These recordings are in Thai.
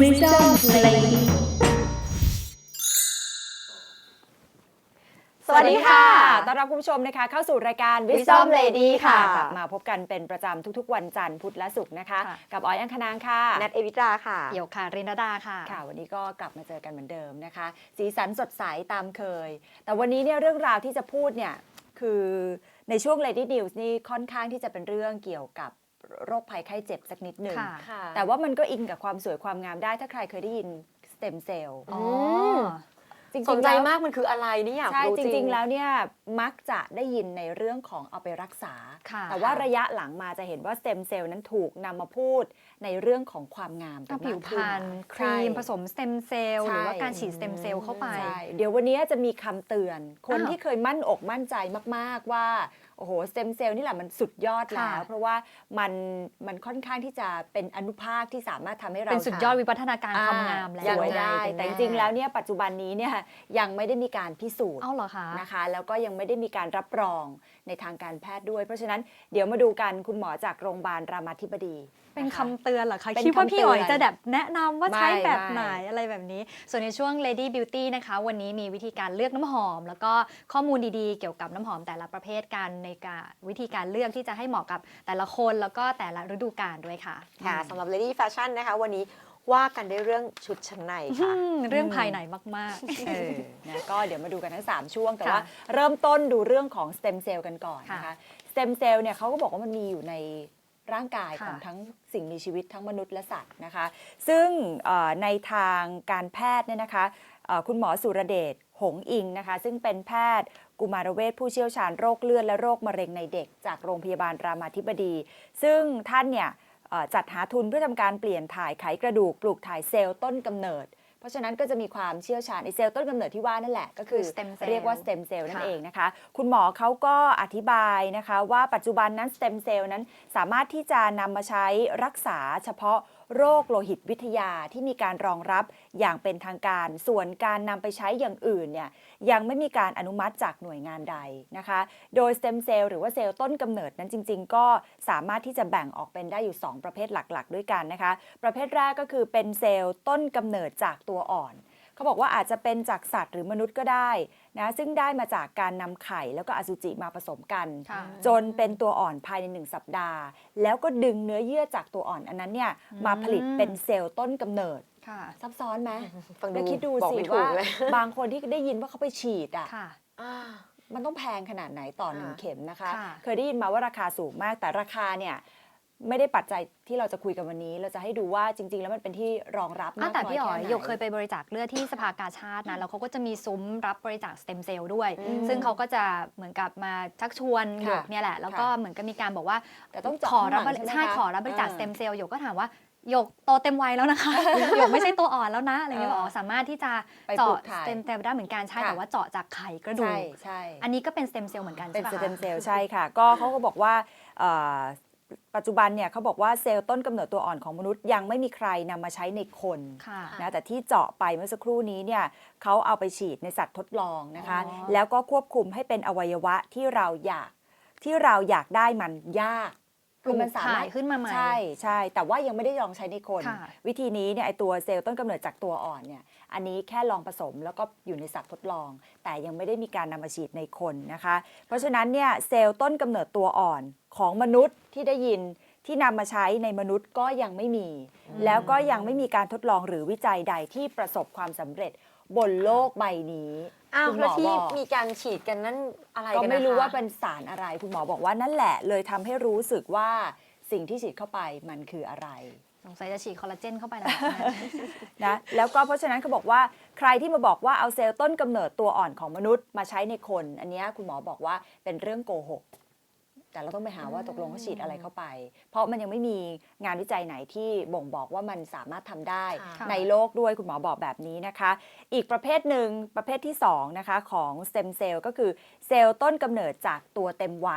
Wisdom Lady สวัสดีค่ะต้อนรับคุณผู้ชมนะคะเข้าสู่รายการ Wisdom Lady ค่ะกลับมาพบกันเป็นประจำทุกๆวันจันทร์พุธและศุกร์นะคะ กับออยอังคณางค่ะนัทเอวิตราค่ะเอี่ยวค่ะรินดาค่ะค่ะ วันนี้ก็กลับมาเจอกันเหมือนเดิมนะคะ สีสันสดใสตามเคย แต่วันนี้เนี่ยเรื่องราวที่จะพูดเนี่ยคือในช่วง Lady News นี่ค่อนข้างที่จะเป็นเรื่องเกี่ยวกับโรคภัยไข้เจ็บสักนิดหนึ่งค่ะแต่ว่ามันก็อิงกับความสวยความงามได้ถ้าใครเคยได้ยินสเต็มเซลล์อ๋อจริงๆสนใจแล้วมากมันคืออะไรนี่อยากใช่รู้จจริริงง ๆ แล้วเนี่ยมักจะได้ยินในเรื่องของเอาไปรักษาค่ะแต่ว่าระยะหลังมาจะเห็นว่าสเต็มเซลล์นั้นถูกนำมาพูดในเรื่องของความงามกัก็นผิมาว กพขึ้รนรณคใช่รีมผสมสเต็มเซลล์ใช่หรือว่าการฉีดสเต็มเซลล์เข้าไปใช่เดี๋ยววันนี้จะมีคำเตือน คนอ้าวที่เคยมั่นอกมั่นใจมากๆว่าโอ้โหสเต็มเซลล์นี่แหละมันสุดยอดแล้วค่ะเพราะว่ามันค่อนข้างที่จะเป็นอนุภาคที่สามารถทำให้เราเป็นสุดยอดวิวัฒนาการความงามแล้วสวยได้ยังไงแต่จริงๆแล้วเนี่ยปัจจุบันนี้เนี่ยยังไม่ได้มีการพิสูจน์เอ้าเหรอคะนะคะแล้วก็ยังไม่ได้มีการรับรองในทางการแพทย์ด้วย เพราะฉะนั้นเดี๋ยวมาดูกันคุณหมอจากโรงพยาบาลรามาธิบดีเป็นนะคำเตือนเหรอคะเป็นคิดว่าพี่อ๋อยคำเตือนจะแบบแนะนำว่าใช้ไม่แบบไหนไม่อะไรแบบนี้ ส่วนในช่วง Lady Beauty นะคะ วันนี้มีวิธีการเลือกน้ำหอม แล้วก็ข้อมูลดีๆ เกี่ยวกับน้ำหอมแต่ละประเภทกันในการวิธีการเลือกที่จะให้เหมาะกับแต่ละคนแล้วก็แต่ละฤดูกาลด้วยค่ะค่ะสำหรับ Lady Fashion นะคะ วันนี้ว่ากันด้วยเรื่องชุดชั้นในค่ะเรื่องภายในมากเออนะก็เดี๋ยวมาดูกันทั้ง 3 ช่วง แต่ค่ะว่าเริ่มต้นดูเรื่องของสเต็มเซลล์กันก่อนนะคะค่ะสเต็มเซลล์เนี่ยเขาก็บอกว่ามันมีอยู่ในร่างกายค่ะของทั้งสิ่งมีชีวิตทั้งมนุษย์และสัตว์นะคะ ซึ่งในทางการแพทย์เนี่ยนะคะคุณหมอสุรเดชหงส์อิงนะคะ ซึ่งเป็นแพทย์กุมารเวชผู้เชี่ยวชาญโรคเลือดและโรคมะเร็งในเด็กจากโรงพยาบาลรามาธิบดี ซึ่งท่านเนี่ยจัดหาทุนเพื่อทำการเปลี่ยนถ่ายไขกระดูกปลูกถ่ายเซลล์ต้นกำเนิด เพราะฉะนั้นก็จะมีความเชี่ยวชาญในเซลล์ต้นกำเนิดที่ว่านั่นแหละก็คือคือ stem cell เรียกว่าสเต็มเซลล์นั่นค่ะเองนะคะ คุณหมอเขาก็อธิบายนะคะว่าปัจจุบันนั้นสเต็มเซลล์นั้นสามารถที่จะนำมาใช้รักษาเฉพาะโรคโลหิตวิทยาที่มีการรองรับอย่างเป็นทางการ ส่วนการนำไปใช้อย่างอื่นเนี่ยยังไม่มีการอนุมัติจากหน่วยงานใดนะคะ โดยสเต็มเซลล์หรือว่าเซลล์ต้นกำเนิดนั้นจริงๆ ก็สามารถที่จะแบ่งออกเป็นได้อยู่ 2 ประเภทหลักๆ ด้วยกันนะคะ ประเภทแรกก็คือเป็นเซลล์ต้นกำเนิดจากตัวอ่อนเขาบอกว่าอาจจะเป็นจากสัตว์หรือมนุษย์ก็ได้นะซึ่งได้มาจากการนำไข่แล้วก็อสุจิมาผสมกันค่ะจนเป็นตัวอ่อนภายใน1 สัปดาห์ แล้วก็ดึงเนื้อเยื่อจากตัวอ่อนอันนั้นเนี่ยมาผลิตเป็นเซลล์ต้นกำเนิดค่ะซับซ้อนไหมฟังดูแล้วคิดดูบอกสิไม่ถูกว่าเลยบางคนที่ได้ยินว่าเขาไปฉีดอ่ะค่ะอ่ามันต้องแพงขนาดไหนต่อ1 ค่ะเข็มนะคะค่ะเคยได้ยินมาว่าราคาสูงมาก แต่ราคาเนี่ยไม่ได้ปัจจัยที่เราจะคุยกันวันนี้ เราจะให้ดูว่าจริง ๆ แล้วมันเป็นที่รองรับมากแต่น้อยพี่อ๋อยแค่ไหนหยกเคยไปบริจาคเลือดที่สภากาชาตินะแล้วเขาก็จะมีซุ้มรับบริจาคสเต็มเซลล์ด้วย ซึ่งเขาก็จะเหมือนกับมาชักชวนหยกเนี่ยแหละ แล้วก็เหมือนกับมีการบอกว่าแต่ต้องเจาะขอรับข้างหลังใช่ไหมคะใช่ขอรับบริจาคอ่าสเต็มเซลล์หยกก็ถามว่าหยกโตเต็มวัยแล้วนะคะ หยกไม่ใช่ตัวอ่อนแล้วนะอะไรเงี้ยบอกอ๋อสามารถที่จะไปปลูเจาะกถ่ายสเต็มเซลล์ได้เหมือนกันใช่ค่ะแต่ว่าเจาะจากไข่กระดูใช่กใช่อันนี้ก็เป็นสเต็มเซลล์เหมือนกันเป็นใช่สปะเต็มคะเซลล์ใช่ค่ะ ก็เขาก็บอกว่าเอ่อปัจจุบันเนี่ยเขาบอกว่าเซลล์ต้นกำเนิดตัวอ่อนของมนุษย์ยังไม่มีใครนำมาใช้ในคนค่ะนะแต่ที่เจาะไปเมื่อสักครู่นี้เนี่ยเขาเอาไปฉีดในสัตว์ทดลองนะคะอ๋อแล้วก็ควบคุมให้เป็นอวัยวะที่เราอยากได้มันยากปลูกมันสามารถถ่ายขึ้นมาใหม่ใช่ใช่แต่ว่ายังไม่ได้ลองใช้ในคนค่ะวิธีนี้เนี่ยไอตัวเซลล์ต้นกำเนิดจากตัวอ่อนเนี่ยอันนี้แค่ลองผสมแล้วก็อยู่ในสัตว์ทดลอง แต่ยังไม่ได้มีการนำมาฉีดในคนนะคะ เพราะฉะนั้นเนี่ยเซลล์ต้นกำเนิดตัวอ่อนของมนุษย์ที่ได้ยินที่นำมาใช้ในมนุษย์ก็ยังไม่มี แล้วก็ยังไม่มีการทดลองหรือวิจัยใดที่ประสบความสำเร็จบนโลกใบนี้อ้าวคุณหมแล้วอที่บอกมีการฉีดกันนั่นอะไรก็กันนะคะไม่รู้ว่าเป็นสารอะไร คุณหมอบอกว่านั่นแหละเลยทำให้รู้สึกว่าสิ่งที่ฉีดเข้าไปมันคืออะไรสงสัยจะฉีดคอลลาเจนเข้าไปแล้วนะแล้วก็เพราะฉะนั้นเขาบอกว่าใครที่มาบอกว่าเอาเซลล์ต้นกำเนิดตัวอ่อนของมนุษย์มาใช้ในคน อันเนี้ยคุณหมอบอกว่าเป็นเรื่องโกหก แต่เราต้องไปหาว่าตกลงเขาฉีดอะไรเข้าไป เพราะมันยังไม่มีงานวิจัยไหนที่บ่งบอกว่ามันสามารถทำได้ค่ะในโลกด้วยคุณหมอบอกแบบนี้นะคะ อีกประเภทหนึ่งประเภทที่2นะคะของสเต็มเซลล์ก็คือเซลล์ต้นกำเนิดจากตัวเต็มวัย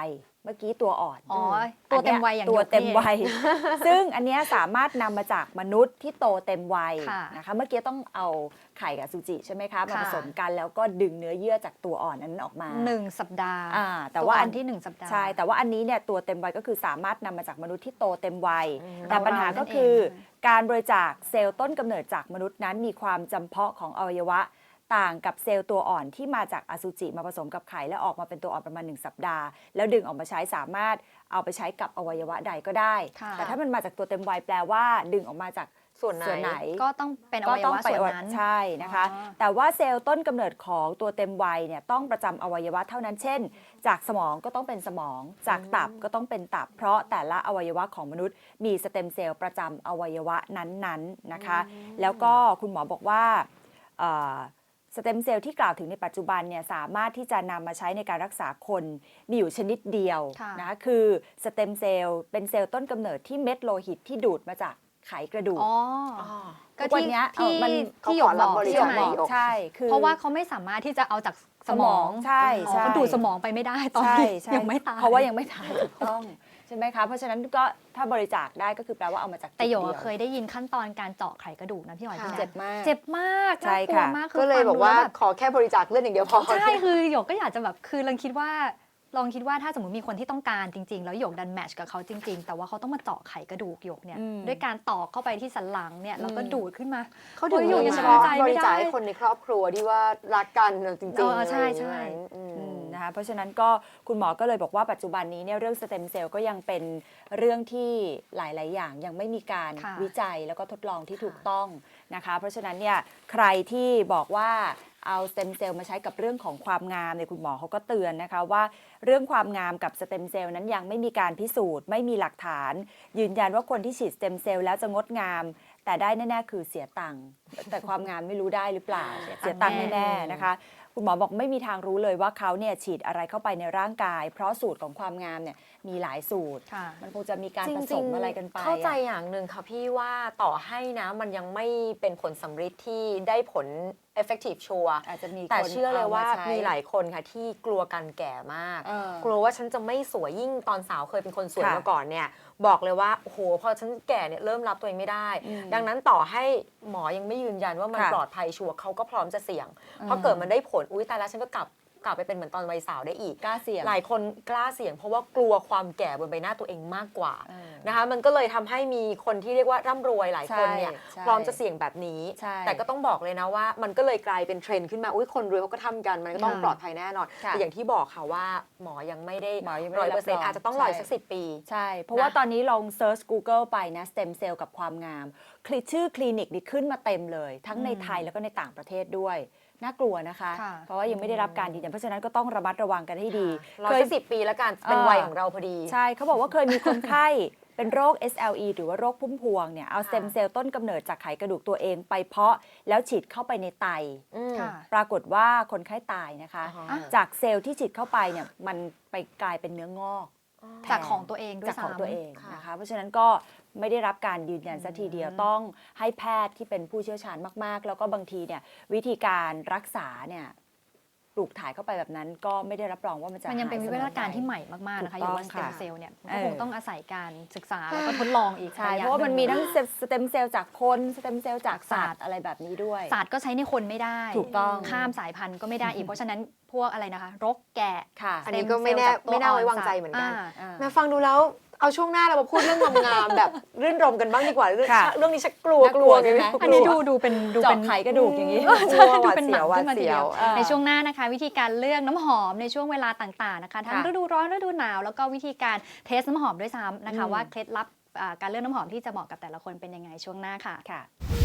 มื่อกี้ตัวอ่อนอ๋อตัวเต็มวัยอย่างตัวเต็มหยกนี่วัย ซึ่งอันเนี้ยสามารถนำมาจากมนุษย์ที่โตเต็มวัยค่ะนะคะเมื่อกี้ต้องเอาไข่กับอสุจิใช่ไหมคะมาค่ะผสมกันแล้วก็ดึงเนื้อเยื่อจากตัวอ่อนนั้นออกมา 1 สัปดาห์แต่ว่าตัอันที่ 1 สัปดาห์ใช่แต่ว่าอันนี้เนี่ยตัวเต็มวัยก็คือสามารถนำมาจากมนุษย์ที่โตเต็มวัยอืมแต่ปัญหาเราๆนั่ก็นเองคือใช่ไหมการบริจาคเซลล์ต้นกำเนิดจากมนุษย์นั้นมีความจำเพาะของอวัยวะต่างกับเซลล์ตัวอ่อนที่มาจากอสุจิมาผสมกับไข่แล้วออกมาเป็นตัวอ่อนประมาณ1 สัปดาห์แล้วดึงออกมาใช้สามารถเอาไปใช้กับอวัยวะใดก็ได้ค่ะแต่ถ้ามันมาจากตัวเต็มวัยแปลว่าดึงออกมาจากส่วนไหนก็ต้องเป็นอก็วัยต้องวะไปส่วนนั้นใช่นะคะอ๋อแต่ว่าเซลล์ต้นกำเนิดของตัวเต็มวัยเนี่ยต้องประจำอวัยวะเท่านั้นเช่น จากสมองก็ต้องเป็นสมอง จากตับก็ต้องเป็นตับ เพราะแต่ละอวัยวะของมนุษย์มีสเต็มเซลล์ประจำอวัยวะนั้นๆนะคะ แล้วก็คุณหมอบอกว่าสเต็มเซลล์ที่กล่าวถึงในปัจจุบันเนี่ยสามารถที่จะนำมาใช้ในการรักษาคนมีอยู่ชนิดเดียวค่ะนะคะคือสเต็มเซลล์เป็นเซลล์ต้นกำเนิดที่เม็ดโลหิตที่ดูดมาจากไขกระดูกอ๋ออ๋อก็ทุกวันที่เนี้ยที่มันที่หยกเขาขอรับบ อกริใช่จาคไหมหยกใช่คือเพราะว่าเขาไม่สามารถที่จะเอาจากสมองใช่อ๋อใช่เขาดูดสมองไปไม่ได้ตอนใช่นี้ใช่ยังไม่ตายเพราะว่ายังไม่ตายถูกต้องใช่ไหมคะเพราะฉะนั้นก็ถ้าบริจาคได้ก็คือแปลว่าเอามาจากแต่หยกจุดอะดีวเคยได้ยินขั้นตอนการเจาะไขกระดูกนะพี่หอยพี่ค่ะนะเจ็บมากเจ็บมากใช่น่ากลัวค่ะมากก็เลยบอกว่าฟังดูแบขอแค่บริจาคเลือดอย่างเดียวพอใช่คือหยกก็อยากจะแบบคือลองคิดว่าถ้าสมมติมีคนที่ต้องการจริง ๆ แล้วหยกดันแมทช์กับเขาจริง ๆ แต่ว่าเขาต้องมาเจาะไขกระดูกหยกเนี่ยอืมด้วยการตอกเข้าไปที่สันหลังเนี่ยแล้วก็อืมดูดขึ้นมาเขาถึงโอ้ยหยกยังเฉสบายพาะใจไม่ได้บริจาคให้คนในครอบครัวที่ว่ารักกันจริงเออๆใช่อะไรอย่างใช่นั้นอืมนะคะเพราะฉะนั้นก็คุณหมอก็เลยบอกว่าปัจจุบันนี้เนี่ยเรื่องสเต็มเซลล์ก็ยังเป็นเรื่องที่หลาย ๆ อย่างยังไม่มีการค่ะวิจัยแล้วก็ทดลองที่ค่ะถูกต้องนะคะเพราะฉะนั้นเนี่ยใครที่บอกว่าเอาสเต็มเซลล์มาใช้กับเรื่องของความงามเนี่ยคุณหมอเขาก็เตือนนะคะว่าเรื่องความงามกับสเต็มเซลล์นั้นยังไม่มีการพิสูจน์ไม่มีหลักฐาน ยืนยันว่าคนที่ฉีดสเต็มเซลล์แล้วจะงดงาม แต่ได้แน่ๆคือเสียตังค์แต่ความงามไม่รู้ได้หรือเปล่าเสียตังค์แน่ๆนะคะ คุณหมอบอกไม่มีทางรู้เลยว่าเขาเนี่ยฉีดอะไรเข้าไปในร่างกาย เพราะสูตรของความงามเนี่ยมีหลายสูตรค่ะมันคงจะมีการจผสริมงๆอะไรกันไปเข้าใจอะอย่างหนึ่งค่ะพี่ว่าต่อให้นะมันยังไม่เป็นผลสำฤทธิ์ที่ได้ผล effective ชัวร์อาจจะมีแต่คนเชื่อเลยว่าอใช้มีหลายคนค่ะที่กลัวการแก่มากเออกลัวว่าฉันจะไม่สวยยิ่งตอนสาวเคยเป็นคนสวยค่ะมาก่อนเนี่ยบอกเลยว่าโอ้โหพอฉันแก่เนี่ยเริ่มรับตัวเองไม่ได้อืมดังนั้นต่อให้หมอยังไม่ยืนยันว่ามันค่ะปลอดภัยชัวร์เขาก็พร้อมจะเสี่ยงอืมเพราะเกิดมันได้ผลอุ้ยตายแล้วฉันก็กลับไปเป็นเหมือนตอนวัยสาวได้อีกกล้าเสี่ยงหลายคนกล้าเสี่ยงเพราะว่ากลัวความแก่บนใบหน้าตัวเองมากกว่าเออนะคะมันก็เลยทำให้มีคนที่เรียกว่าร่ำรวยหลายคนเนี่ยใช่พร้อมจะเสี่ยงแบบนี้ใช่แต่ก็ต้องบอกเลยนะว่ามันก็เลยกลายเป็นเทรนด์ขึ้นมาอุ้ยคนรวยเขาก็ทำกันมันก็ต้องค่ะปลอดภัยแน่นอนค่ะแต่อย่างที่บอกค่ะว่าหมอยังไม่ได้หมอยังไม่ได้ 100% รับรองอาจจะต้องรออีกใช่สัก10 ปีใช่ เพราะว่าตอนนี้ลองเซิร์ช Google ไปนะสเต็มเซลล์กับความงามชื่อคลินิกนี่ขึ้นมาเต็มเลย ทั้งในไทยแล้วก็ในต่างประเทศด้วย น่ากลัวนะคะค่ะเพราะว่ายังไม่ได้รับการยืนยันเพราะฉะนั้นก็ต้องระมัดระวังกันให้ดีรอสัก10 ปีแล้วกันเป็นวัยของเราพอดีใช่เขาบอกว่าเคยมีคนไข้ เป็นโรค SLE หรือว่าโรคพุ่มพวงเนี่ยเอาสเต็มเซลล์ต้นกำเนิดจากไขกระดูกตัวเองไปเพาะแล้วฉีดเข้าไปในไตอืมค่ะปรากฏว่าคนไข้ตายนะคะอ่าจากเซลล์ที่ฉีดเข้าไปเนี่ยมันไปกลายเป็นเนื้องอกจากของตัวเองด้วยจากของซ้ำตัวเองค่ะนะคะเพราะฉะนั้นก็ไม่ได้รับการยืนยันสักทีเดียวต้องให้แพทย์ที่เป็นผู้เชี่ยวชาญมากๆ แล้วก็บางทีเนี่ยวิธีการรักษาเนี่ยปลูกถ่ายเข้าไปแบบนั้นก็ไม่ได้รับรองว่ามันจะมันยังเป็นหาวิสวัมฒอนาการไปที่ใหม่มากๆนะคะถูอกต้ย่าองว่าสเต็มค่ะเซลล์เนี่ยมันเอก็อคงต้องอาศัยการศึกษาแล้วก็ทดลองอีกใช่ยเพราะว่ามันมีทั้งสเต็มเซลล์จากคนสเต็มเซลล์จากสัตว์อะไรแบบนี้ด้วยศาสตร์ก็ใช้ในคนไม่ได้ถูกต้องข้ามสายพันธุ์ก็ไม่ได้อีก เพราะฉะนั้นพวกอะไรนะคะ รกแกะค่ะอันนี้ก็ไม่แน่สเต็เซลล์จากตัวไม่น่าไว้อ่วางใจเหมือนกันอ่าแม่ฟังดูแล้วเอาช่วงหน้าเรามาพูดเรื่องงามๆแบบรื่นรมกันบ้างดีกว่าเรื่องค่ะเรื่องนี้ชักกลัวน่ากลัวใช่ไหมอันนี้ดูเป็นเจาะไขกระดูกอย่างนี้ใช่หดูวาดเป็นหเสีนัยวงหวาขึ้ดนมาทีเสียเดียว วอ่าในช่วงหน้านะคะ วิธีการเลือกน้ำหอมในช่วงเวลาต่างๆนะคะทั้งค่ะฤดูร้อนฤดูหนาวแล้วก็วิธีการเทสน้ำหอมด้วยซ้ำนะคะอืมว่าเคล็ดลับการเลือกน้ำหอมที่จะเหมาะกับแต่ละคนเป็นยังไงช่วงหน้าค่ะค่ะ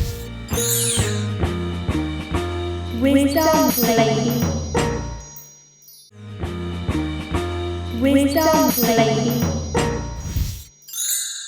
Wisdom Lady. Wisdom Lady.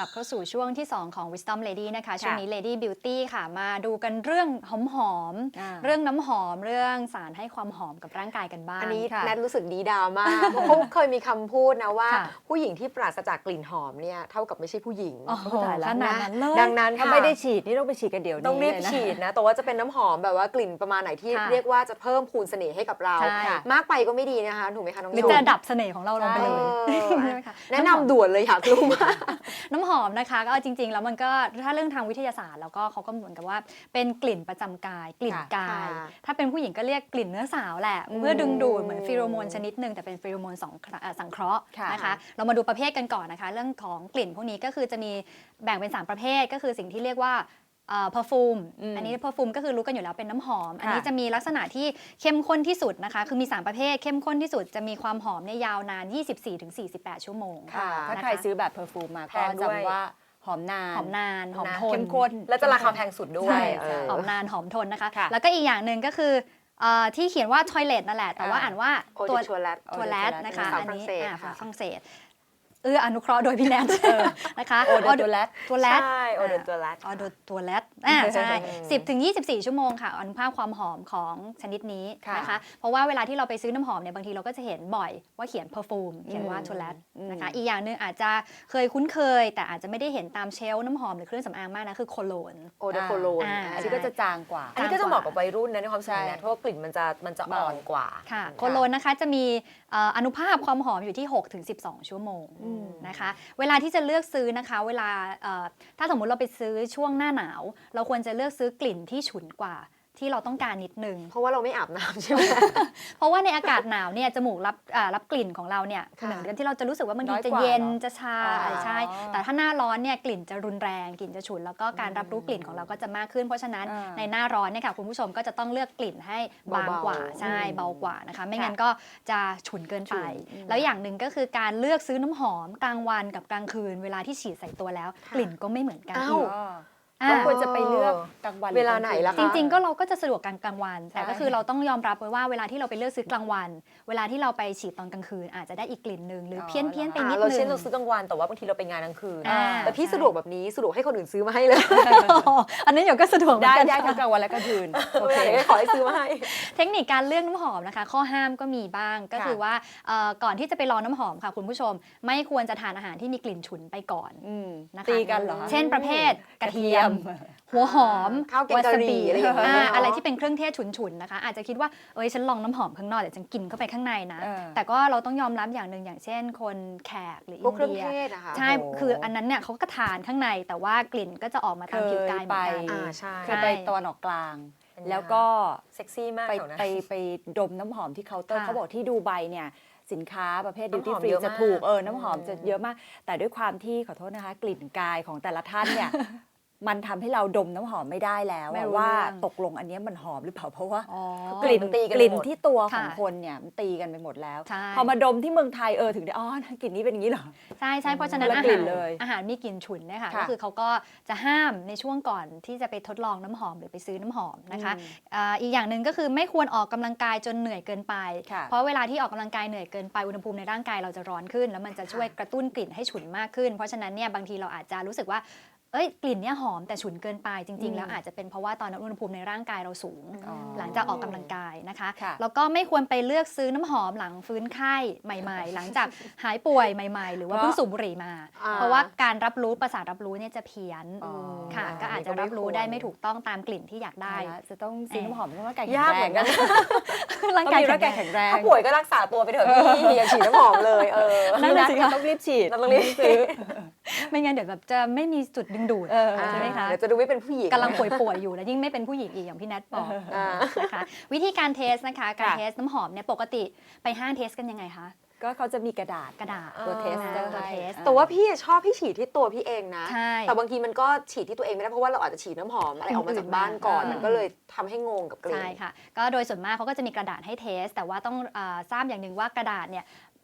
บเข้าสู่ช่วงที่ 2 ของ Wisdom Lady นะคะ ช่วงนี้ Lady Beauty ค่ะ มาดูกันเรื่องหอม เรื่องน้ำหอม เรื่องสารให้ความหอมกับร่างกายกันบ้างอันนี้ค่ะแนทรู้สึกดีดามาก เพราะเขาเคยมีคำพูดนะว่าค่ะผู้หญิงที่ปราศจากกลิ่นหอมเนี่ยเท่ากับไม่ใช่ผู้หญิงโอ้โหตายแล้วขนาดนั้นเลยดังนั้นถ้าค่ะไม่ได้ฉีดนี่ต้องไปฉีดกันเดี๋ยวนี้ต้องรีบเลยนะฉีดนะแต่ว่าจะเป็นน้ำหอมแบบว่ากลิ่นประมาณไหนที่ค่ะเรียกว่าจะเพิ่มพูนเสน่ห์ให้กับเราใช่มากไปก็ไม่ดีนะคะถูกไหมคะน้องหรือโยจะดับเสน่ห์ของเราลงไปเลยเออใช่ไหมคะแนะนำด่วนเลยอยากรู้มากน้ำหอมนะคะก็เอาจริง ๆ แล้วมันก็ถ้าเรื่องทางวิทยาศาสตร์แล้วก็เขาก็เหมือนกับว่าเป็นกลิ่นประจำกาย กลิ่นกายค่ะถ้าเป็นผู้หญิงก็เรียกกลิ่นเนื้อสาวแหละเพื่อดึงดูดเหมือนฟีโรโมนชนิดหนึ่งแต่เป็นฟีโรโมนสังเคราะห์ค่ะนะคะเรามาดูประเภทกันก่อนนะคะเรื่องของกลิ่นพวกนี้ก็คือจะมีแบ่งเป็น3ประเภทก็คือสิ่งที่เรียกว่าperfume อันนี้ perfume ก็คือรู้กันอยู่แล้วเป็นน้ำหอม อันนี้จะมีลักษณะที่เข้มข้นที่สุดนะคะคือมี3ประเภทเข้มข้นที่สุดจะมีความหอมเนี่ยยาวนาน 24-48 ชั่วโมงค่ะถ้านะคะใครซื้อแบบเพอร์ฟูมมาแพก็งด้วยจำว่าหอมนานหอมนานหอมทนเข้มข้นแล้วจะราคาแพงสุดด้วยใช่เออหอมนานหอมทนนะคะค่ะแล้วก็อีกอย่างหนึ่งก็คือที่เขียนว่า toilet นั่นแหละ แต่ว่าอ่านว่าโอตัวชัวร์แลตตัวแรดนะคะภาษาอันฝรั่งนี้เศสภาษาค่ะฝรั่งเศสอนุเคราะห์โดยพี่แนทนะคะโอเดตัวแรดตัวแรดใช่โอเดตัวแลตออโดตัวแรดใช่ 10-24 ชั่วโมงค่ะอนุภาคความหอมของชนิดนี้ค่ะนะคะเพราะว่าเวลาที่เราไปซื้อน้ำหอมเนี่ยบางทีเราก็จะเห็นบ่อยว่าเขียน perfume เขียนว่าตัวแรดนะคะอีกอย่างหนึ่งอาจจะเคยคุ้นเคย แต่อาจจะไม่ได้เห็นตามเชลฟ์น้ำหอมหรือเครื่องสำอางมากนะคือโคโลนโอเดโคโลนอ่าอันนี้ก็จะจางกว่าอันนี้ก็จะเหมาะกับวัยรุ่นนะในความรู้สึกใช่นะเพราะว่ากลิ่นมันจะอ่อนกว่าค่ะโคโลนนะคะจะมีอนุภาคความหอมอยู่ที่ 6-12 ชั่วโมงนะคะเวลาที่จะเลือกซื้อนะคะเวลาถ้าสมมุติเราไปซื้อช่วงหน้าหนาว เราควรจะเลือกซื้อกลิ่นที่ฉุนกว่าที่เราต้องการนิดนึงเพราะว่าเราไม่อาบน้ำใช่ไหมเพราะว่าในอากาศหนาวเนี่ยจมูกรับกลิ่นของเราเนี่ยค่ะเหมือนกันที่เราจะรู้สึกว่าบางทีน้อยจะกว่าเย็นเหรอจะชาอ๋อใช่แต่ถ้าหน้าร้อนเนี่ยกลิ่นจะรุนแรงกลิ่นจะฉุนแล้วก็การรับรู้กลิ่นของเราก็จะมากขึ้น เพราะฉะนั้นอ่าในหน้าร้อนเนี่ยค่ะคุณผู้ชมก็จะต้องเลือกกลิ่นให้บางกว่าเบาๆใช่เบากว่านะคะไม่งั้นค่ะก็จะฉุนเกินไป แล้วอย่างหนึ่งก็คือการเลือกซื้อน้ำหอมกลางวันกับกลางคืน เวลาที่ฉีดใส่ตัวแล้ว กลิ่นก็ไม่เหมือนกันอ้าวก็อ่าควรจะไปเลือกกลางวันเวลาไหนล่ะคะจริงๆก็เราก็จะสะดวกกลางวัน แต่ใช่ก็คือเราต้องยอมรับไว้ว่าเวลาที่เราไปเลือกซื้อกลางวัน เวลาที่เราไปฉีดตอนกลางคืน อาจจะได้อีกกลิ่นหนึ่งหรือเพี้ยนเพี้ยนๆไปนิดเรานึเช่นงเราซื้อกลางวันแต่ว่าบางทีเราไปงานกลางคืนอ่าแต่พี่ใช่สะดวกแบบนี้สะดวกให้คนอื่นซื้อมาให้เลยอันนี้เดี๋ยวก็สะดวกเหมือได้นกันได้ทั้งกลางวันและกลางคืนโอเคขอให้ซื้อมาให้เทคนิคการเลือกน้ำหอมนะคะ ข้อห้ามก็มีบ้างก็คือว่าก่อนที่จะไปลองน้ำหอมค่ะคุณผู้ชม ไม่ควรจะทานอาหารที่มีกลิ่นฉุนไปก่อน นะคะตีกันเหรอคะเช่นประเภทกระเทียม หัวหอมข้าวแกงกะหรี่อะไรอย่างเงี้ยเนอะอะไรที่เป็นเครื่องเทศฉุนๆนะคะ อาจจะคิดว่าเอ้ยฉันลองน้ำหอมข้างนอกเดี๋ยวฉันกินเข้าไปข้างในนะเออแต่ก็เราต้องยอมรับอย่างหนึ่งอย่างเช่น คนแขกหรือพวกอินเครื่องเดียเทศอะค่ะใช่โอ้โหคืออันนั้นเนี่ยเขาก็ทานข้างในแต่ว่ากลิ่นก็จะออกมาตามผิวกายเหมือนกันเคยไปใช่เคยไปตะวันออกกลางเป็นไงแล้วก็เซ็กซี่มากไปแถวนั้นไปดมน้ำหอมที่เคาน์เตอร์ค่ะเขาบอกที่ดูไบเนี่ยสินค้าประเภทดิวน้ำหตี้อมฟรีเยอะจะมากถูกน้ำหอมจะเยอะมาก แต่ด้วยความที่ขอโทษนะคะ กลิ่นกายของแต่ละท่านเนี่ย มันทำให้เราดมน้ำหอมไม่ได้แล้วไม่อะรู้ว่าเรื่องตกลงอันเนี้ยมันหอมหรือเปล่าเพราะว่าอ๋อกลิ่นมันตีกันกลิ่นไปหมดที่ตัวของค่ะคนเนี่ยมันตีกันไปหมดแล้วใช่พอมาดมที่เมืองไทยถึงได้กลิ่นนี้เป็นอย่างนี้เหรอใช่ใช่เพราะฉะนั้นคนละอากลิ่หารนเลยอาหารมีกลิ่นฉุนเนี่ยค่ะค่ะก็คือเขาก็จะห้ามในช่วงก่อนที่จะไปทดลองน้ำหอมหรือไปซื้อน้ำหอมนะคะอีกอย่างหนึ่งก็คือไม่ควรออกกำลังกายจนเหนื่อยเกินไปค่ะเพราะเวลาที่ออกกำลังกายเหนื่อยเกินไปอุณหภูมิในร่างกายเราจะร้อนขึ้น แล้วมันจะช่วยกระตุ้นกลิ่นให้ฉุนมากขึ้น เพราะฉะนั้นเนี่ยบางทีเราอาจจะรู้สึกว่า กลิ่นเนี่ยหอมแต่ฉุนเกินไปจริง ๆ แล้วอาจจะเป็นเพราะว่าตอนนั้นอุณหภูมิในร่างกายเราสูง หลังจากออกกำลังกายนะคะค่ะแล้วก็ไม่ควรไปเลือกซื้อน้ำหอมหลังฟื้นไข้ใหม่ๆ หลังจากหายป่วยใหม่ๆ หรือว่าเพิ่งสูบบุหรี่มาอ่าเพราะว่าการรับรู้ประสาทรับรู้เนี่ยจะเพี้ยนอ๋อค่ะ ก็อาจจะรับรู้ได้ไม่ถูกต้องตามกลิ่นที่อยากได้ตายละจะต้องซื้อน้ำหอมต้องร่างกายแข็งยากแรเหมืงอนกันร่างต้องกายมีร่างกายแข็แข็งงแรงแรงถ้าป่วยก็รักษาตัวไปเถอะพี่อย่าฉีดน้ำหอมเลยนั่นนั่นน่ะนะสิสิคะต้องรีบฉีดเราต้องรีบซื้อไม่งั้นเดี๋ยวแบบจะไม่มีจุดดึงดูด ใช่ไหมคะเดี๋ยวจะดูไม่เป็นผู้หญิงกำลังป่วยๆอยู่แล้วยิ่งไม่เป็นผู้หญิงอีกอย่างพี่แนทบอกอ่านะคะวิธีการเทสนะคะการค่ะเทสน้ำหอมเนี่ยปกติไปห้างเทสกันยังไงคะก็เขาจะมีกระดาษกระดาษตัวเทสตัวเทสแต่ว่าพี่ชอบพี่ฉีดที่ตัวพี่เองนะใช่แต่บางทีมันก็ฉีดที่ตัวเองไม่ได้เพราะว่าเราอาจจะฉีดน้ำหอมอะไรออกมาจากบ้านก่อนอืมมันก็เลยทำให้งงกับกลิ่นใช่ค่ะก็โดยส่วนมากเขาก็จะมีกระดาษให้เทส แต่ว่าต้องทราบอย่างหนึ่งว่ากระดาษเนี่ย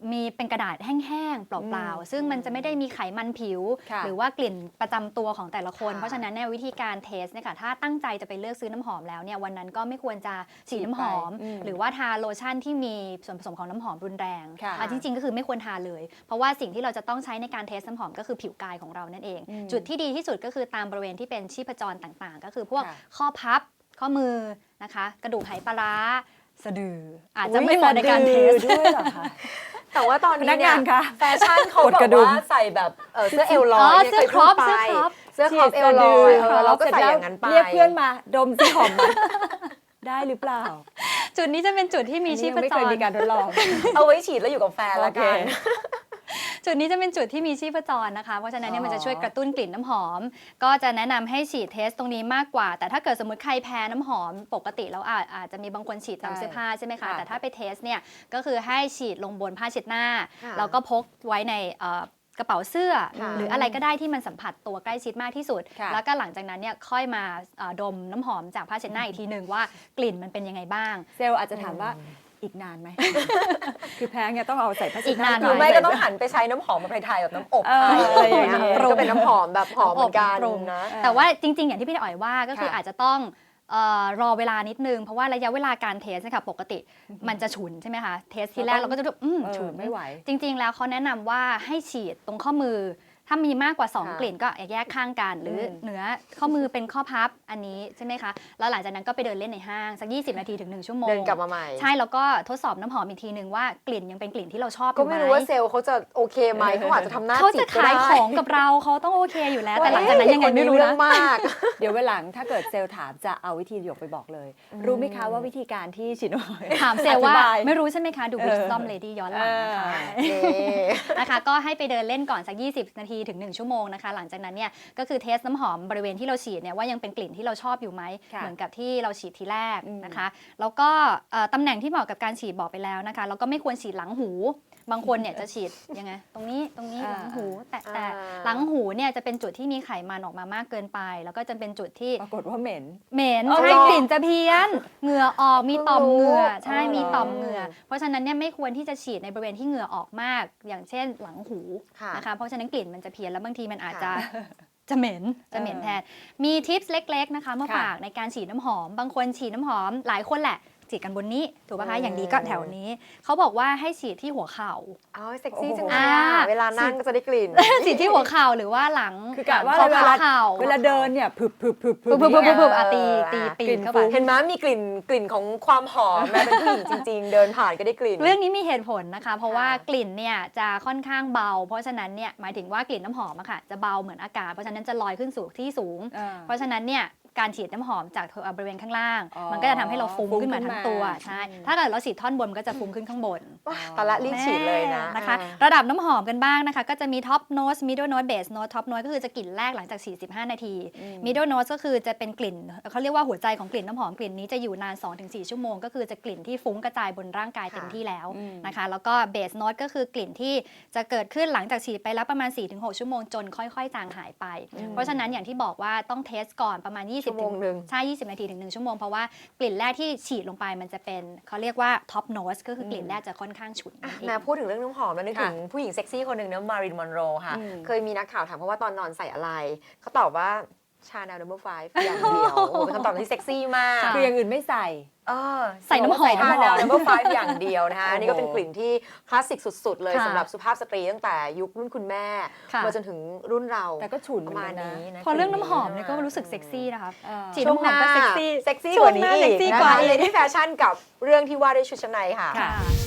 มีเป็นกระดาษแห้งๆเปล่าๆซึ่งมันจะไม่ได้มีไขมันผิวค่ะหรือว่ากลิ่นประจำตัวของแต่ละคนค่ะเพราะฉะนั้นเนี่ยวิธีการเทสเนี่ยค่ะถ้าตั้งใจจะไปเลือกซื้อน้ำหอมแล้วเนี่ยวันนั้นก็ไม่ควรจะฉีดน้ำหอม หรือว่าทาโลชั่นที่มีส่วนผสมของน้ำหอมรุนแรงค่ะจริงๆก็คือไม่ควรทาเลย เพราะว่าสิ่งที่เราจะต้องใช้ในการเทสน้ำหอมก็คือผิวกายของเรานั่นเอง จุดที่ดีที่สุดก็คือตามบริเวณที่เป็นชีพจรต่างๆ ก็คือพวกค่ะข้อพับข้อมือนะคะกระดูกไหปลาร้าสะดืออาจจะไม่เหมาะในการเทสด้วยเหรอคะแต่ว่าตอนพนี้นักเนี่งาย นคะแฟชั่นเขากดแบกระบดุมว่าใส่แบบเสื้อเอลลอยเสื้อนี่ยครอปเคยพูดไปเสื้อครอปเสื้อครอปเอลลอยเราก็ใส่อย่างนั้นไปเรียกเพื่อนมาดมสิหอมไหมได้หรือเปล่าจุดนี้จะเป็นจุดที่มีชีพอันนี้ยังไม่จเคยรมีการทดลองเอาไว้ฉีดแล้วอยู่กับแฟนละกันโอเคจุดนี้จะเป็นจุดที่มีชีพจรนะคะ เพราะฉะนั้นเนี่ยมันจะช่วยกระตุ้นกลิ่นน้ำหอม ก็จะแนะนำให้ฉีดเทสตรงนี้มากกว่า แต่ถ้าเกิดสมมติใครแพ้น้ำหอม ปกติแล้วอาจจะมีบางคนฉีดตามเสื้อผ้าใช่ไหมคะค่ะแต่ถ้าไปเทสเนี่ยก็คือให้ฉีดลงบนผ้าเช็ดหน้าค่ะแล้วก็พกไว้ในกระเป๋าเสื้อค่ะหรืออะไรก็ได้ที่มันสัมผัสตัวใกล้ชิดมากที่สุดค่ะแล้วก็หลังจากนั้นเนี่ยค่อยมาดมน้ำหอมจากผ้าเช็ดหน้าอีกทีหนึ่งว่ากลิ่นมันเป็นยังไงบ้างเซลล์อาจจะถามว่าอีกนานไหม คือแพ้ไงต้องเอาใส่ผ้าเช็ดอีกนานหรือไม่ก็ต้องหันไปใช้น้ำหอมแบบไทยๆแบบน้ำอบไทยอะไรอย่างเงี้ยปรุงก็เป็นน้ำหอมแบบหอมเหมือนกันปรุงนะแต่ว่าจริงๆ อย่างที่พี่อ๋อยว่าก็คือค่ะอาจจะต้องรอเวลานิดนึง เพราะว่าระยะเวลาการเทสนะคะปกติมันจะฉุนใช่ไหมคะ เทสทีแรกเราก็จะฉุนไม่ไหวจริงๆ แล้วเขาแนะนำว่าให้ฉีดตรงข้อมือ ถ้ามีมากกว่าค่ะ 2 กลิ่นก็แยกข้างกัน หรือเหนือข้อมือเป็นข้อพับอันนี้ใช่ไหมคะ แล้วหลังจากนั้นก็ไปเดินเล่นในห้างสัก 20 นาทีถึง 1 ชั่วโมงเดินกลับมาใหม่ใช่แล้วก็ทดสอบน้ำหอมอีกทีหนึ่งว่ากลิ่นยังเป็นกลิ่นที่เราชอบอก็ยู่ไหมไม่รู้ว่าเซลล์เขาจะโอเคไหมเขาอาจจะทำหน้าเขาจิจะตก็ขายได้ของกับเราเขาต้องโอเคอยู่แล้ว แต่หลังจากนั้นยังไงไม่รู้เรื่นะองมากเดี๋ยวเวลาหลังถ้าเกิดเซลล์ถามจะเอาวิธีหยกไปบอกเลย รู้ไหมคะว่าวิธีการที่ฉีดน้ำหอมถามเซลล์ว่าอธิบายไม่รู้ใช่ไหมคะ ดู Wisdom Lady ย้อนหลังนะคะนี่นะคะก็ให้ไปเดินเล่นก่อนสัก 20 นาทีถึง 1 ชั่วโมงนะคะ หลังจากนั้นเนี่ยก็คือเทสน้ำหอมบริเวณที่เราฉีดเนี่ยว่ายังเป็นกลิ่นที่เราชอบอยู่ไหมค่ะเหมือนกับที่เราฉีดทีแรกนะคะ แล้วก็ตำแหน่งที่เหมาะกับการฉีดบอกไปแล้วนะคะแล้วก็ไม่ควรฉีดหลังหู บางคนเนี่ยจะฉีดยังไงตรงนี้หลังหูแต่หลังหูเนี่ยจะเป็นจุดที่มีไขมันออกมามากเกินไป แล้วก็จะเป็นจุดที่ปรากฏว่าเหม็นเหม็นอ๋อใช่เหรอกลิ่นจะเพี้ยนเหงื่อออกมีต่อมเหงื่อใช่อ๋อมีต่อมเหงื่อเพราะฉะนั้นเนี่ยไม่ควรที่จะฉีดในบริเวณที่เหงื่อออกมาก อย่างเช่นหลังหูค่ะนะคะเพราะฉะนั้นกลิ่นมันจะเพี้ยนแล้วบางทีมันอาจจะค่ะจะเหม็นแทนมีทิปส์เล็กๆนะคะมาค่ะฝากในการฉีดน้ำหอม บางคนฉีดน้ำหอมหลายคนแหละฉีดกันบนนี้ถูกป่ะคะอย่างดีก็แถวนี้เขาบอกว่าให้ฉีดที่หัวเข่าเอาเซ็กซี่จังอ่าเลยเวลานั่งก็จะได้กลิ่นฉีดที่หัวเข่าหรือว่าหลังคือกะว่าข้อเวพับลาเข่าเวลาเดินเนี่ยผึบปุ๊บตีปีกลิ่นนเข้าไปฟุ้งเห็นไหมมีกลิ่นของความหอมแม้เป็นผู้หญิงจริง ๆ เดินผ่านก็ได้กลิ่นเรื่องนี้มีเหตุผลนะคะ เพราะว่าค่ะกลิ่นเนี่ยจะค่อนข้างเบา เพราะฉะนั้นเนี่ยหมายถึงว่ากลิ่นน้ำหอมอะค่ะจะเบาเหมือนอากาศเพราะฉะนั้นจะลอยขึ้นสู่ที่สูง เพราะฉะนั้นเนี่ยการฉีดน้ำหอมจากบริเวณข้างล่างอ๋อมันก็จะทำให้เราฟุ้งฟุ้งขึ้นมาทั้งตัวขึ้นมาใช่ถ้าเกิดเราฉีดท่อนบนมันก็จะฟุ้งขึ้นข้างบนว้าตอนละรีบฉีดเลยนะนะคะอ่าระดับน้ำหอมกันบ้างนะคะ ก็จะมีท็อปโนสมิดเดิลโนสเบสโนสท็อปโนสก็คือจะกลิ่นแรกหลังจาก 45 นาทีมิดเดิลโนสก็คือจะเป็นกลิ่นเขาเรียกว่าหัวใจของกลิ่นน้ำหอมกลิ่นนี้จะอยู่นาน 2-4 ชั่วโมง ก็คือจะกลิ่นที่ฟุ้งกระจายบนร่างกายเต็มที่แล้วนะคะแล้วก็เบสโนสก็คือกลิ่นที่จะเกิดขึ้นหลังจากฉีดไปแล้วประมาณ 4-6 ชั่วโมงจนค่อยๆจางหายไป เพราะฉะนั้นอย่างที่บอกว่าต้องเทสก่อนประมาณ 20 ชั่วโมงหนึ่งใช่ 20 นาทีถึง 1 ชั่วโมงเพราะว่ากลิ่นแรกที่ฉีดลงไปมันจะเป็นเขาเรียกว่าท็อปโนสก็คือกลิ่นแรกจะค่อนข้างฉุนนั่นเองแม่พูดถึงเรื่องน้ำหอมแล้วนึกถึงผู้หญิงเซ็กซี่คนหนึ่งนะมารินมอนโรค่ะ เคยมีนักข่าวถามเพราะว่าตอนนอนใส่อะไร เขาตอบว่าชาแนล No. 5อย่างเดียวโอ้โหเป็นคำตอบที่เซ็กซี่มากคืออย่างอื่นไม่ใส่ใส่น้ำหอมชาแนล No. 5อย่างเดียวนะคะอันนี่ก็เป็นกลิ่นที่คลาสสิกสุดๆ เลยค่ะสำหรับสุภาพสตรีตั้งแต่ยุครุ่นคุณแม่ค่ะมาจนถึงรุ่นเราแต่ก็ฉุนประมาณเหมือนกันนะนี้นะพอเรื่องน้ำหอมเนี่ยก็รู้สึกเซ็กซี่นะคะ ฉีดช่วงน้ำหหอมน้าก็เซ็กซี่เซ็กซี่ช่กวว่างหนี้น้าอีกเซ็กซี่นะกว่าคะอีกเลยที่แฟชั่นกับเรื่องที่ว่าด้วยชุดชั้นในค่ะค่ะ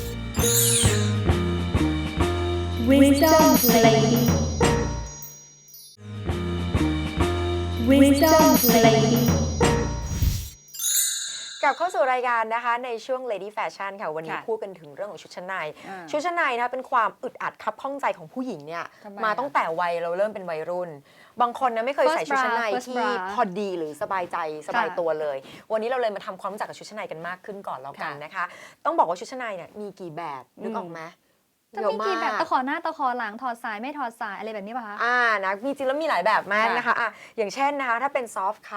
Wisdom Lady. Wisdom Lady. กลับเข้าสู่รายการนะคะในช่วง Lady Fashion ค่ะวันนี้ค่ะพูดกันถึงเรื่องของชุดชั้นในอ่าชุดชั้นในนะคะเป็นความอึดอัดคับข้องใจของผู้หญิงเนี่ยทำไมมาอะตั้งแต่วัยเราเริ่มเป็นวัยรุ่น บางคนนะไม่เคย First ใส่ชุดชั้นใน bra First ที่ bra พอดีหรือสบายใจสบายค่ะตัวเลย วันนี้เราเลยมาทำความรู้จักกับชุดชั้นในกันมากขึ้นก่อนแล้วกันนะคะ ต้องบอกว่าชุดชั้นในเนี่ยมีกี่แบบนึกออกไหมจะมีกี่แบบตะขอหน้าตะขอหลังถอดสายไม่ถอดสายอะไรแบบนี้ป่ะคะนะมีจริงแล้วมีหลายแบบมากค่ะนะคะอ่ะอย่างเช่นนะคะถ้าเป็นซอฟต์คัพ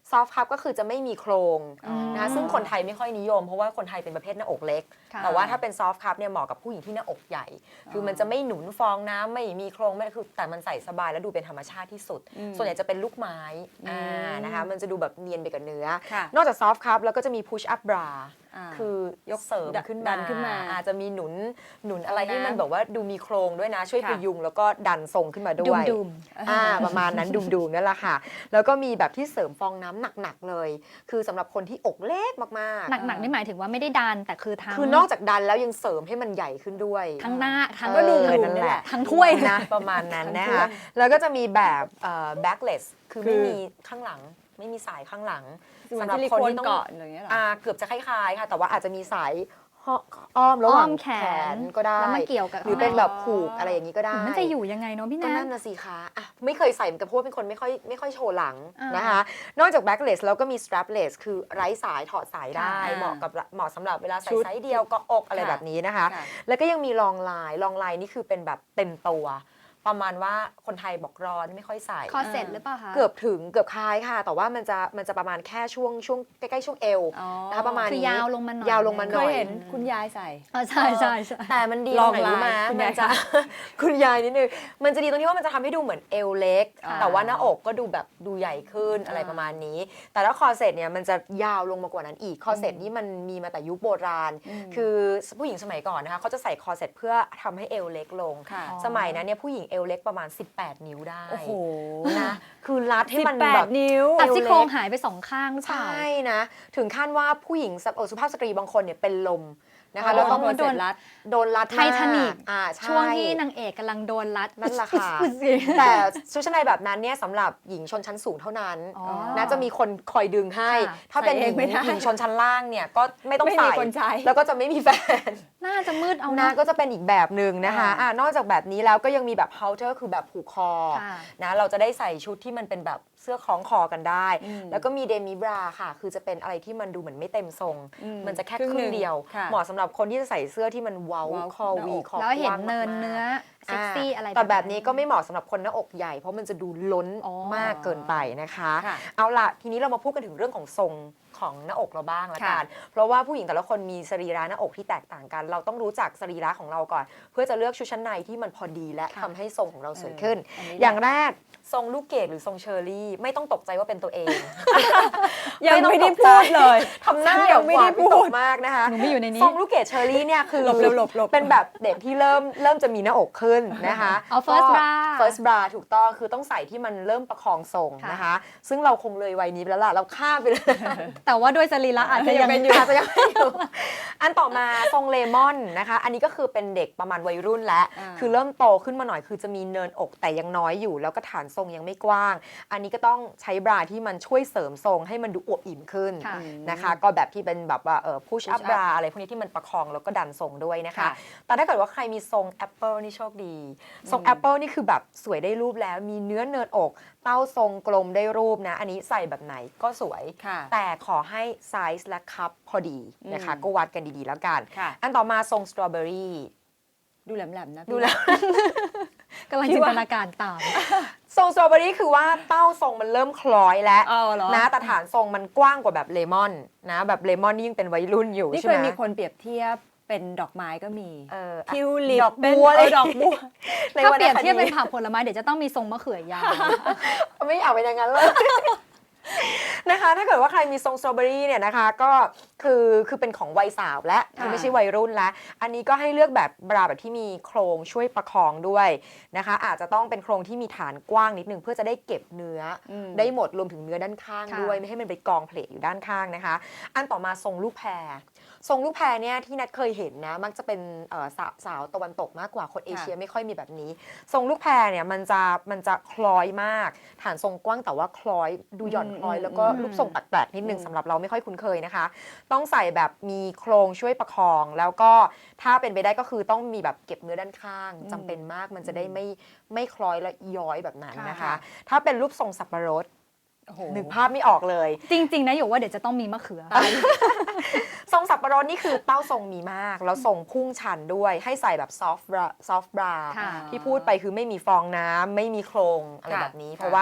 ซอฟต์คัพก็คือจะไม่มีโครงนะคะซึ่งคนไทยไม่ค่อยนิยมเพราะว่าคนไทยเป็นประเภทหน้าอกเล็กค่ะแต่ว่าถ้าเป็นซอฟต์คัพเนี่ยเหมาะกับผู้หญิงที่หน้าอกใหญ่ คือมันจะไม่หนุนฟองน้ำไม่มีโครงไม่คือแต่มันใส่สบายแล้วดูเป็นธรรมชาติที่สุด ส่วนใหญ่จะเป็นลูกไม้นะคะมันจะดูแบบเนียนไปกับเนื้อค่ะนอกจากซอฟต์คัพแล้วก็จะมีพุชอัพบราอ่าคือยกเสริมขึ้นดัมานขึ้นมาอาจจะมีหนุนอะไรน้ำที่มันแบบว่าดูมีโครงด้วยนะช่วยค่ะพยุงแล้วก็ดันทรงขึ้นมาด้วยดุมประมาณนั้นดุมๆนั่นแหละค่ะ แล้วก็มีแบบที่เสริมฟองน้ำหนักๆเลย คือสำหรับคนที่อกเล็กมากหนักๆนี่หมายถึงว่าไม่ได้ดันแต่คือทั้งคือนอกจากดันแล้วยังเสริมให้มันใหญ่ขึ้นด้วยทั้งหน้าทั้งก็ดูนั่นั่นนแหแหละละทั้งถ้วยเลยนะประมาณนั้นนะทั้งถ้วคะยแล้วก็จะมีแบบ backless คือไม่มีข้างหลังไม่มีสายข้างหลังสำสำหหรัรับบ ซิลิคนโคนที่ต้องเกาะอย่างเงี้ยเหรอเกือบจะคล้ายๆค่ะ แต่ว่าอาจจะมีสายอ้อมระหว่างอ้อมแขนก็ได้แล้วมันเกี่ยวกับหรือเป็นแบบผูกอะไรอย่างนี้ก็ได้มันจะอยู่ยังไงเนาะพี่ก็แนนั่นนนะสิคะอ่ะไม่เคยใส่เหมือนกันเพราะว่าเป็นคนไม่ค่อยโชว์หลังอ่านนะคะ นอกจาก backless แล้วก็มี strapless คือไร้สายถอดสายได้ค่ะเหมาะสำหรับเวลาใส่ชุดไซส์เดียวก็อกอะไรค่ะแบบนี้นะคะค่ะแล้วก็ยังมีลองไลน์นี่คือเป็นแบบเต็มตัว ประมาณว่าคนไทยบอกร้อนไม่ค่อยใส่คอเซ็ตหรือเปล่าคะเกือบคล้ายค่ะ แต่ว่ามันจะประมาณแค่ช่วงใกล้ๆช่วงเอวอ๋อนะคะประมาณคืนี้อยาวลงมาหน่อยยาวลงมาหเคน่อยยเห็นคุณยายใส่ใช่ใช่ใช่แต่มันดีลตรองงไหนรู้ไหมลายคุณมัยายนจะ คุณยายนิดนึงมันจะดีตรงที่ว่ามันจะทำให้ดูเหมือนเอวเล็กค่ะแต่ว่าหน้าอกก็ดูแบบดูใหญ่ขึ้นอะไรประมาณนี้ แต่ถ้าคอร์เซ็ตเนี่ยมันจะยาวลงมากว่านั้นอีกคอร์เซ็ตนี่มันมีมาแต่ยุคโบราณ คือผู้หญิงสมัยก่อนนะคะเขาจะใส่คอร์เซ็ตเพื่อทำให้เอวเล็กลงค่ะสมัยนั้นเนี่ยผู้หญิงเอวเล็กประมาณ 18 นิ้วได้โอ้โหนะคือรัดให้มันแปแบดบนิ้วตัดซี่โครงหายไป2 ข้างหรือเปใชล่า่นะ ถึงขั้นว่าผู้หญิงสุภาพสตรีบางคนเนี่ยเป็นลมนะคะอ๋อแล้วต้องโดนรัดโดนรัดไททานิกใช่ช่วงที่นางเอกกำลังโดนรัดนั่นแหละค่ะอุ๊ยแต่ชุดชั้นในแบบนั้นเนี่ยสำหรับหญิงชนชั้นสูงเท่านั้นอ๋อนะจะมีคนคอยดึงให้ค่ะถ้าเป็นใส่หเอญิงไม่ได้หญิงชนชั้นล่างเนี่ยก็ไม่ต้องไม่มีใส่คนใช้แล้วก็จะไม่มีแฟนน่าจะมืดเอานะนะก็จะเป็นอีกแบบหนึ่งนะคะอ่านอกจากแบบนี้แล้วก็ยังมีแบบ halter คือแบบผูกคอค่ะนะเราจะได้ใส่ชุดที่มันเป็นแบบเสื้อคล้องคอกันได้อืมแล้วก็มีเดมิบราค่ะ คือจะเป็นอะไรที่มันดูเหมือนไม่เต็มทรง มันจะแค่ครึ่งเดียวค่ะเหมาะสำหรับคนที่จะใส่เสื้อที่มันเว้าเว้าคอหน้าวีอกคอแล้วเห็นกว้างเนินมากๆเนื้อเซ็กซี่อะไรแต่แบบนี้ก็ไม่เหมาะสำหรับคนหน้าอกใหญ่ เพราะมันจะดูล้นอ๋อมากเกินไปนะคะค่ะเอาล่ะทีนี้เรามาพูดกันถึงเรื่องของทรงของหน้าอกเราบ้างละกัน เพราะว่าผู้หญิงแต่ละคนมีสรีระหน้าอกที่แตกต่างกัน เราต้องรู้จักสรีระของเราก่อน เพื่อจะเลือกชุดชั้นในที่มันพอดีและทำให้ทรงของเราสวยขึ้นอันนี้แหละอย่างแรกทรงลูกเกดหรือทรงเชอร์รี่ไม่ต้องตกใจว่าเป็นตัวเองยังไม่ได้ต้องตกใจพูดเลยทำหน้าฉันอยัย่างไม่หวาได้นพูวิตดกมากนะคะหนูไม่อยู่ในนี้ทรงลูกเกดเชอร์รี่เนี่ยคือหลบเร็วหลบเป็นแบบเด็กที่เริ่มจะมีหน้าอกขึ้นนะคะเอา first ก็ bra first bra ถูกต้องคือต้องใส่ที่มันเริ่มประคองทรงนะคะ ซึ่งเราคงเลยวัยนี้ไปแล้วล่ะเราข้ามไปเลยแต่ว่าด้วยสรีระอาจจะยังเป็นอยู่อาจจะยังไม่อยู่ อันต่อมาทรงเลมอนนะคะ อันนี้ก็คือเป็นเด็กประมาณวัยรุ่นแล้ว คือเริ่มโตขึ้นมาหน่อยคือจะมีเนินอกแต่ยังน้อยอยู่ แล้วก็ฐานทรงยังไม่กว้าง อันนี้ก็ต้องใช้บราที่มันช่วยเสริมทรงให้มันดูอวบอิ่มขึ้นค่ะนะคะ ก็แบบที่เป็นแบบว่าpush up push up bra อะไรพวกนี้ที่มันประคองแล้วก็ดันทรงด้วยนะคะค่ะแต่ถ้าเกิดว่าใครมีทรงแอปเปิลนี่โชคดี ทรงแอปเปิลนี่คือแบบสวยได้รูปแล้ว มีเนื้อเนินอก เต้าทรงกลมได้รูปนะ อันนี้ใส่แบบไหนก็สวยค่ะแต่ขอให้ไซส์และคัพพอดีนะคะ ก็วัดกันดีๆแล้วกันค่ะอันต่อมาทรงสตรอเบอรี่ดูแหลมๆนะพี่ดูแล้วกำลังจินตนาการตามทรงสตรอเบอรี่คือว่าเต้าทรงมันเริ่มคล้อยแล้วเอาเหรอนะแต่ฐานทรงมันกว้างกว่าแบบเลมอนนะแบบเลมอนนี่ยังเป็นวัยรุ่นอยู่นี่ใช่เคไหยมมีคนเปรียบเทียบเป็นดอกไม้ก็มีเออทิวลิปดอกบัวเป็นเลยดอกบัวในถ้าวรรเปรียบณคเทียบเป็นดีผักผลไม้เดี๋ยวจะต้องมีทรงมะเขือยาวไม่อยากเป็นอย่างนั้นเลย นะคะถ้าเกิดว่าใครมีทรงสตรอเบอรี่เนี่ยนะคะก็คือเป็นของวัยสาวและคือไม่ใช่วัยรุ่นแล้วอันนี้ก็ให้เลือกแบบบราแบบที่มีโครงช่วยประคองด้วยนะคะอาจจะต้องเป็นโครงที่มีฐานกว้างนิดนึงเพื่อจะได้เก็บเนื้ออมได้หมดรวมถึงเนื้อด้านข้างค่ะด้วยไม่ให้มันไปกองเพลทอยู่ด้านข้างนะคะ อันต่อมาทรงลูกแพรทรงลูกแพรเนี่ยที่นัทเคยเห็นนะมักจะเป็นสาวตะวันตกมากกว่าคนเอเชียไม่ค่อยมีแบบนี้ ทรงลูกแพรเนี่ยมันจะคล้อยมาก ฐานทรงกว้างแต่ว่าคล้อยดูหย่อนคล้อย แล้วก็รูปทรงแปลกๆนิดนึงสำหรับเราไม่ค่อยคุ้นเคยนะคะ ต้องใส่แบบมีโครงช่วยประคอง แล้วก็ถ้าเป็นไปได้ก็คือต้องมีแบบเก็บเนื้อด้านข้างจำเป็นมากมันจะได้ไม่คล้อยและย้อยแบบนั้นนะคะค่ะถ้าเป็นรูปทรงสับปะรดโอ้โหนึกภาพไม่ออกเลยจริง ๆ นะอยู่ว่าเดี๋ยวจะต้องมีมะเขือทรงสับปะรดนี่คือเต้าทรงมีมาก แล้วทรงพุ่งชันด้วยให้ใส่แบบซอฟต์บราค่ะที่พูดไปคือไม่มีฟองน้ำไม่มีโครงอะไรค่ะแบบนี้ค่ะเพราะว่า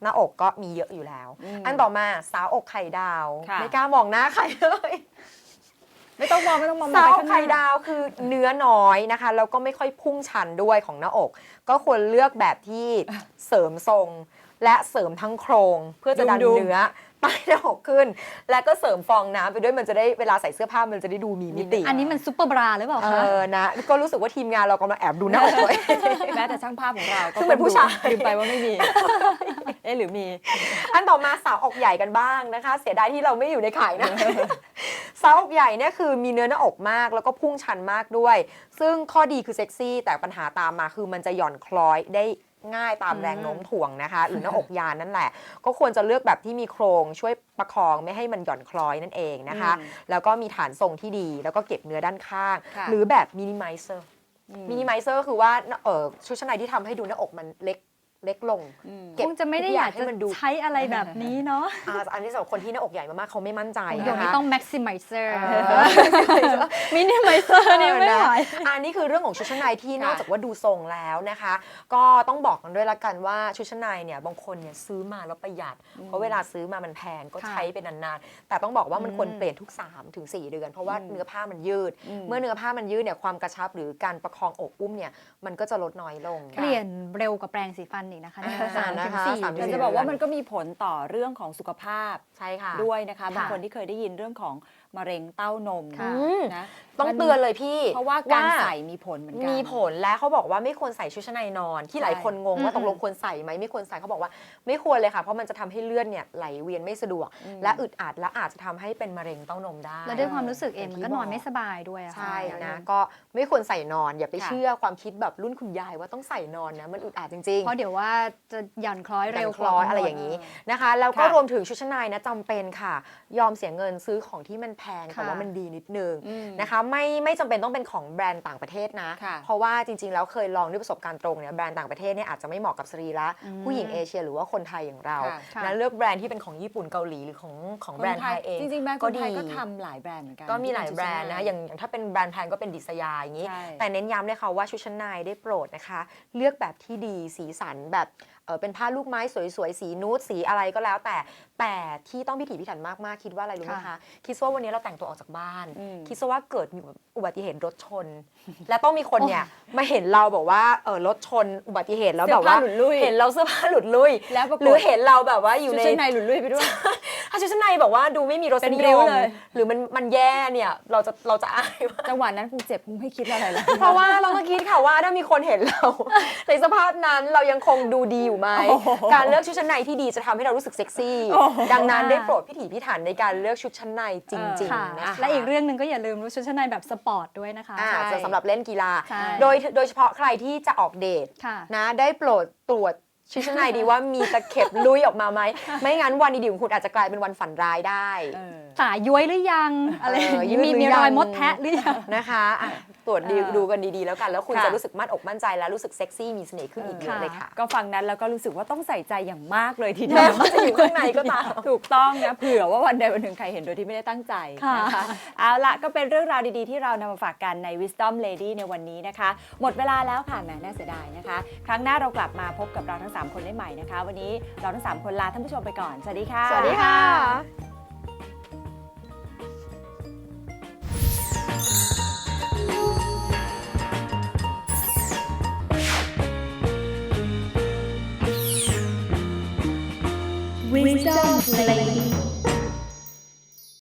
หน้าอกก็มีเยอะอยู่แล้ว อันต่อมาสาวอกไข่ดาวค่ะไม่กล้ามองหน้าใครเลยไม่ต้องมองสาวไปอกข้างหไข่น้าดาวคือเนื้อน้อยนะคะแล้วก็ไม่ค่อยพุ่งชันด้วยของหน้าอก ก็ควรเลือกแบบที่เสริมทรงและเสริมทั้งโครง เพื่อจะดันดุมๆเนื้อใต้หน้าอกขึ้น และก็เสริมฟองน้ำไปด้วยมันจะได้เวลาใส่เสื้อผ้ามันจะได้ดูมีมิติอันนี้มันซุปเปอร์บราหรือเปล่าเอคะอนะก็รู้สึกว่าทีมงานเรากำลังแอบดูหน้าอกตัวเองแม้แต่ช่างภาพของเราก็ซึ่งเป็นผู้ชายลืมไปว่าไม่มี เอ๊ะหรือมีอันต่อมาสาวอกใหญ่กันบ้างนะคะ เสียดายที่เราไม่อยู่ในข่ายนะ สาวอกใหญ่เนี่ยคือมีเนื้อหน้าอกมากแล้วก็พุ่งชันมากด้วย ซึ่งข้อดีคือเซ็กซี่แต่ปัญหาตามมาคือมันจะหย่อนคล้อยได้ง่ายตามแรงโน้มถ่วงนะคะ หรือหน้าอกยานนั่นแหละ ก็ควรจะเลือกแบบที่มีโครงช่วยประคองไม่ให้มันหย่อนคล้อยนั่นเองนะคะ แล้วก็มีฐานทรงที่ดีแล้วก็เก็บเนื้อด้านข้างค่ะหรือแบบมินิมิเซอร์มินิมิเซอร์คือว่าชุดชั้นในที่ทำให้ดูหน้าอกมันเล็กลง เก็บคงจะไม่ได้อยากทุกอย่างให้จะมันดูใช้อะไรแบบนี้เนาะอันนี้สำหรับคนที่หน้าอกใหญ่มากๆเขาไม่มั่นใจเดี๋ยวนะนี้คะต้อง maximizer เออ minimizer นี่ไม่ไหวอันนี้คือเรื่องของชุดชั้นในที่นอกจากว่าดูทรงแล้วนะคะ ก็ต้องบอกกันด้วยละกันว่าชุดชั้นในเนี่ยบางคนเนี่ยซื้อมาแล้วประหยัด เพราะเวลาซื้อมามันแพงก็ค่ะใช้เป็นนานๆแต่ต้องบอกว่ามันควรเปลี่ยนทุก 3-4 เดือน เพราะว่าเนื้อผ้ามันยืด เมื่อเนื้อผ้ามันยืดเนี่ยความกระชับหรือการประคองอกอุ้มเนี่ยมันก็จะลดน้อยลงเปลี่ยนเร็วกว่าแปรงสีฟันอีกนะคะเนี่ยอ่านะคะ 3-4 3-4 เดืแต่อนจะบอกว่ามันก็มีผลต่อเรื่องของสุขภาพใช่ค่ะด้วยนะคะค่ะบางคนที่เคยได้ยินเรื่องของมะเร็งเต้านมค่ะนะต้องเตือนเลยพี่เพราะว่าการใส่มีผลเหมือนกันมีผลและเขาบอกว่าไม่ควรใส่ชุดชั้นในนอน ที่หลายคนงงว่าอืมตกลงควรใส่ไหมไม่ควรใส่เขาบอกว่าไม่ควรเลยค่ะเพราะมันจะทำให้เลือดเนี่ยไหลเวียนไม่สะดวก และอึดอัดและอาจจะทำให้เป็นมะเร็งเต้านมได้แล้วด้วยความรู้สึกเองมันก็นอนไม่สบายด้วยอะค่ะใช่นะก็ไม่ควรใส่นอนอย่าไปค่ะเชื่อความคิดแบบรุ่นคุณยายว่าต้องใส่นอนนะมันอึดอัดจริงๆเพราะเดี๋ยวว่าจะหย่อนคล้อยเร็วคลออะไรอย่างนี้นะคะ แล้วก็ค่ะรวมถึงชุดชั้นในนะจำเป็นค่ะ ยอมเสียเงินซื้อของที่มันแพงแต่ค่ะว่ามันดีนิดนึงอืมนะคะไม่จำเป็นต้องเป็นของแบรนด์ต่างประเทศนะค่ะเพราะว่าจริงๆแล้วเคยลองด้วยประสบการณ์ตรงเนี่ยแบรนด์ต่างประเทศเนี่ยอาจจะไม่เหมาะกับสรีระผู้หญิงเอเชียหรือว่าคนไทยอย่างเราค่ะนะเลือกแบรนด์ที่เป็นของญี่ปุ่นเกาหลีหรือของแบรนด์ไทยเองจริงๆแบรนด์ก็คนไทยดีก็ทำหลายแบรนด์เหมือนกันก็มีหลายแบรนด์นะที่เป็อย่างถ้าเป็นแบรนด์แพงก็เป็นดิสยาอย่างนี้ใช่แต่เน้นย้ำเลยค่ะว่าชุดชั้นในได้โปรดนะคะ เลือกแบบที่ดีสีสันแบบเป็นผ้าลูกไม้สวยๆ สีนูดสีอะไรก็แล้วแต่ที่ต้องพิถีพิถันมากๆ คิดว่าอะไรรู้ไหมคะค่ะคิดว่าวันนี้เราแต่งตัวออกจากบ้านอืมคิดว่าเกิดมีอุบัติเหตุรถชน และต้องมีคนเนี่ยมาเห็นเราบอกว่ารถชนอุบัติเหตุแล้วแบบว่าเสื้อผ้าหลุดลุ่ยเห็นเราเสื้อผ้าหลุดลุ่ยแล้วปรากฏหรือเห็นเราแบบว่าอยู่ชุดในชั้นในหลุดลุ่ยไปด้วยถ้าชุดชั้นในแบบว่าดูไม่มีรสเป็นนิริ้ยว มเลยหรือมันแย่เนี่ยเราจะอายมากจังหวะนั้นคงเจ็บคงไม่คิดอะไรแล้วเพราะว่าเราต้องคิดค่ะว่าถ้ามีคนเห็นเรา ในสภาพนั้นเรายังคงดูดีอยู่ไหมโอ้โหการเลือกชุดชั้นในที่ดีจะทำให้เรารู้สึกเซ็กซี่โอ้โหดังนั้นได้โปรดพิถีพิถันในการเลือกชุดชั้นในจริงค่ะๆนะคะและอีกเรื่องหนึ่งก็อย่าลืมชุดชั้นในแบบสปอร์ตด้วยนะคะอ่าใช่จะสำหรับเล่นกีฬาใช่โดยเฉพาะใครที่จะออกเดทค่ะนะได้โปรดตรวจชุดชั้นในดีว่ามีตะเข็บลุยออกมาไหมไม่งั้นวันดีๆของคุณอาจจะกลายเป็นวันฝันร้ายได้เออสายย้วยหรือยังอะไรอย่างนี้ยืดหรือมียังรอยมดแทะหรือยังนะคะอ่ะตรวจเออดูกันดีๆแล้วกัน แล้วคุณค่ะจะรู้สึกมั่นอกมั่นใจและรู้สึกเซ็กซี่มีเสน่ห์ขึ้นอีกเยอะเลยค่ะก็ฟังนั้นแล้วก็รู้สึกว่าต้องใส่ใจอย่างมากเลยทีเดีแม้ยวว่าจะอยู่ข้างในก็ตามถูกต้องนะเผื่อว่าวันใดวันหนึ่งใครเห็นโดยที่ไม่ได้ตั้งใจนะคะค่ะเอาละก็เป็นเรื่องราวดีๆที่เรานำมาฝากกันใน Wisdom Lady ในวันนี้นะคะ หมดเวลาแล้วค่ะแหมน่าเสียดายนะคะ ครั้งหน้าเรากลับมาพบกับเราทั้ง 3 คนได้ใหม่นะคะ วันนี้เราทั้ง 3 คนลาท่านผู้ชมไปก่อน สวัสดีค่ะสวัสดีค่ะ